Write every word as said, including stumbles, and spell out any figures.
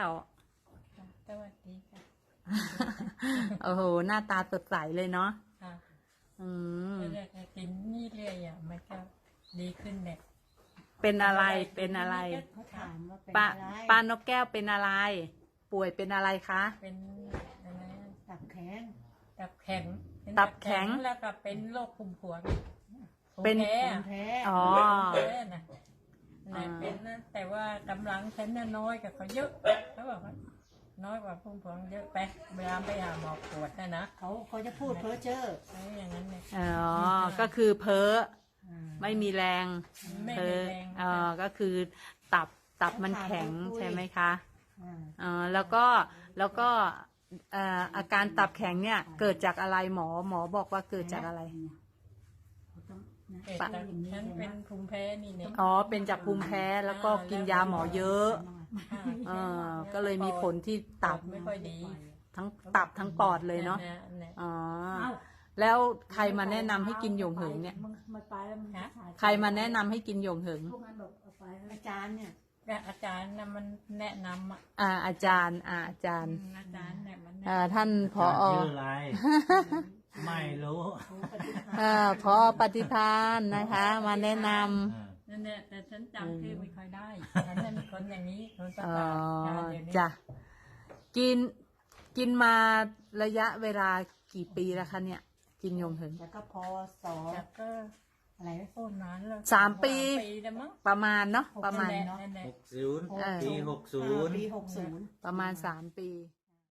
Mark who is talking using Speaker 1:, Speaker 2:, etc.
Speaker 1: ว
Speaker 2: สวัสดีค่ะ
Speaker 1: โอ้โหหน้าตาสดใสเลยเนาะ
Speaker 2: ค่ะ
Speaker 1: อืม
Speaker 2: ก็อยากจะกินนี่เรื่อยอ่ะมันก็ดีขึ้นเนี่ย
Speaker 1: เป็นอะไรเป็นอะไร
Speaker 3: เขาถามว่าเป็น
Speaker 1: ป้า
Speaker 3: อะไร
Speaker 1: ป้านกแก้วเป็นอะไร ป่วยเป็นอะไรคะ
Speaker 2: เป็นอะไรนะ
Speaker 3: ตับแข็ง
Speaker 2: ตับแข็งเป็น
Speaker 1: ตับแข็ง
Speaker 2: แล้วก็เป็นโรคภูมิพวง
Speaker 1: เป็น
Speaker 2: ภูมิแพ้
Speaker 3: ภู
Speaker 2: อะ
Speaker 3: มิแพ้
Speaker 1: อ๋อ
Speaker 2: ภูมิแพ้น่ะน่ะเป็นนะแต่ว่ากำลังฉันน่ะน้อยกับเขาเยอะเขาบอกว่าน้อยกว่าภูมิพวงเยอะไปเวลาไปหาหมอปวดนะนะ
Speaker 3: เขาเขาจะพูดเพ้อเจ้อ
Speaker 2: อะไรอย่างนั้นเนี่ย
Speaker 1: อ๋อ ก็คือเพ้อ
Speaker 3: อ่า
Speaker 1: ไม่มีแรง
Speaker 2: ไม่
Speaker 1: เพ้
Speaker 2: มี
Speaker 1: อ
Speaker 2: แรง
Speaker 1: เออก็คือตับตับมันแข็งใช่ไหมคะ
Speaker 3: อ่า
Speaker 1: เออแล้วก็แล้วก็เอ่ออาการตับแข็งเนี่ยเกิดจากอะไรหมอหมอบอกว่าเกิดจากอะไร
Speaker 3: เขาต้องนะ
Speaker 2: เกิด
Speaker 3: ปะ
Speaker 2: จาก
Speaker 3: อย่างนี้
Speaker 2: ฉัน
Speaker 3: เห็นไหม
Speaker 2: เป็นภูมิแพ้นี่เนี่ย
Speaker 1: อ๋อเป็นจากภูมิแพ้แล้วก็กินยาหมอเยอะเออก็เลยมีผลที่ตับ
Speaker 2: ไม่ค่อยดี
Speaker 1: ทั้งตับทั้งปอดเลยเนาะ
Speaker 2: เนี่ย
Speaker 1: อ๋อ
Speaker 3: เอ้า
Speaker 1: แล้วใครมาแนะนำให้กินหยงเหิงเนี่ย
Speaker 3: มึงไม่ไปแล้วมึงถ่าย
Speaker 1: ใครมาแนะนำให้กินหยงเหิง
Speaker 3: พวกนั้นบอกเอาไปอาจารย์เนี่ย
Speaker 2: ก็อาจารย์น่ะมันแนะนำอ่ะ
Speaker 1: อ่าอาจารย์อ่าอาจารย์
Speaker 2: อาจารย์เนี่ยมันแนะ
Speaker 1: อ่าท่านผอ
Speaker 4: ชื่ออะไร ไม่รู้
Speaker 3: เขาปฏิภาณ
Speaker 1: อ่าพอปฏิพานนะคะ มาแนะนำ
Speaker 2: นั่นแหละแต่ฉันจำชื่อไม่ค่อยได้ฉันเป็นคนอย่างนี้คนประ
Speaker 1: อ๋อก
Speaker 2: าศเดี๋ยวนี้
Speaker 1: จ้ะกินกินมาระยะเวลากี่ปีแล้วคะเนี่ย กินหยงเหิง
Speaker 3: แล้วก็พอสอ
Speaker 2: แต่ก็
Speaker 3: อะไรนะ
Speaker 2: โคตรนานแล้ว
Speaker 1: สามปี
Speaker 2: ปีแล้วมั้ง
Speaker 1: ประมาณเนาะประมาณ
Speaker 2: นั่นแหละนั่นแหละ
Speaker 4: หกศูนย์
Speaker 1: เออ
Speaker 4: ปีหกศูนย์
Speaker 3: ปีหกศูนย์
Speaker 1: ประมาณสามปี